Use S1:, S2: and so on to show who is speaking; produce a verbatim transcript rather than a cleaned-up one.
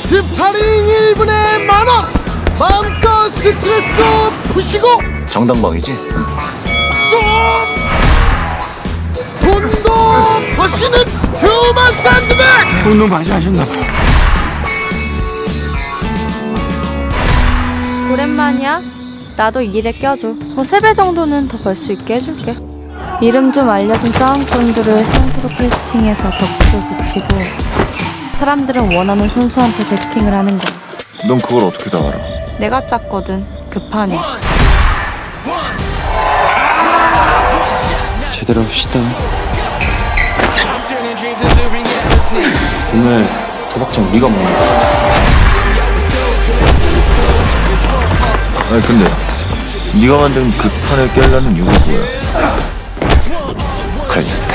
S1: 스파링 일 분에 만원! 마음껏 스트레스도 푸시고
S2: 정당방이지?
S1: 또 돈도 버시는 휴먼 샌드백!
S3: 운동 많이 하셨나봐.
S4: 오랜만이야. 나도 일에 껴줘. 뭐 세 배 정도는 더 벌 수 있게 해줄게. 이름 좀 알려진 싸움꾼들을 선수로 캐스팅해서 덕후를 붙이고 사람들은 원하는 선수한테 배팅을 하는 거야.
S2: 넌 그걸 어떻게 다 알아?
S4: 내가 짰거든, 그 판을.
S3: 제대로 합시다. 오늘 도박장 우리가 먹는 거야.
S2: 아니 근데 네가 만든 그 판을 깨려는 이유가 뭐야? 칼